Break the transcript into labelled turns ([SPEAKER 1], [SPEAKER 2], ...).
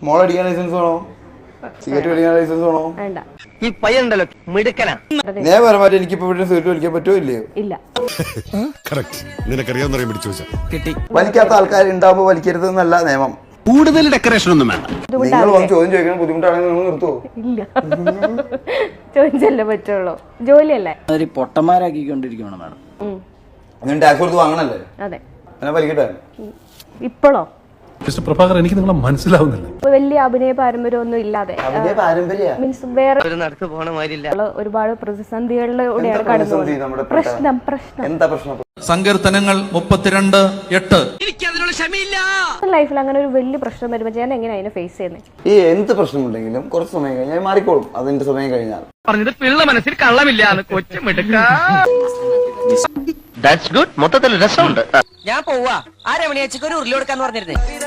[SPEAKER 1] മോളടിക്കാൻ license വേണോ? Cigarette വലിക്കാൻ license വേണോ?
[SPEAKER 2] ഈ പയ്യനുണ്ടല്ലോ മിടുക്കനാ.
[SPEAKER 1] നിയമപരമായിട്ട് എനിക്കിപ്പോ ഇവിടെ സിഗരറ്റ് വലിക്കാൻ പറ്റുമോ ഇല്ലയോ?
[SPEAKER 3] ഇല്ല.
[SPEAKER 1] കിട്ടി. വലിക്കാത്ത ആൾക്കാർ ഉണ്ടാവുമ്പോ വലിക്കരുത് എന്നല്ല നിയമം.
[SPEAKER 4] കൂടുതൽ ഡെക്കറേഷൻ ഒന്നും വേണ്ട.
[SPEAKER 1] നിങ്ങൾ വന്ന് ചോദ്യം ചോദിക്കണം ബുദ്ധിമുട്ടാണെങ്കിൽ നിങ്ങൾ നിർത്തുവോ?
[SPEAKER 3] ഇല്ല. ചോദിച്ചല്ലേ പറ്റുള്ളൂ, ജോലിയല്ലേ.
[SPEAKER 5] പൊട്ടന്മാരാക്കിക്കൊണ്ടിരിക്കണം മാഡം.
[SPEAKER 1] അങ്ങനെ ടാക്സ് കൊടുത്ത് വാങ്ങണല്ലേ?
[SPEAKER 3] അതെ.
[SPEAKER 1] അങ്ങനെ വലിക്കട്ടെ.
[SPEAKER 3] ഇപ്പോഴോ
[SPEAKER 6] മിസ്റ്റർ പ്രഭാകർ, എനിക്ക് നിങ്ങളെ മനസ്സിലാവുന്നില്ല.
[SPEAKER 3] വലിയ അഭിനയ പാരമ്പര്യം ഒന്നും ഇല്ലാതെ മീൻസ് വേറെ ഒരുപാട് പ്രതിസന്ധികളിലൂടെയാണ് കടന്നുപോകുന്നത്. പ്രശ്നം
[SPEAKER 7] സങ്കീർത്തനങ്ങൾ 32:8.
[SPEAKER 3] ലൈഫിൽ അങ്ങനെ ഒരു വലിയ പ്രശ്നം വരുമ്പോൾ ഞാൻ എങ്ങനെ അതിനെ ഫേസ് ചെയ്യുന്നത്?
[SPEAKER 1] ഈ എന്ത് പ്രശ്നമുണ്ടെങ്കിലും കുറച്ച് സമയം കഴിഞ്ഞാൽ മാറിക്കോളും. അതിന്റെ സമയം കഴിഞ്ഞാൽ
[SPEAKER 2] പറഞ്ഞത് പിള്ള മനസ്സിൽ കള്ളമില്ല. മൊത്തത്തിൽ രസമുണ്ട്.
[SPEAKER 8] ഞാൻ പോവാ. 1/2 മണിയാഴ്ചക്ക് ഒരു ഉരുളി കൊടുക്കാന്ന് പറഞ്ഞിരുന്നേ.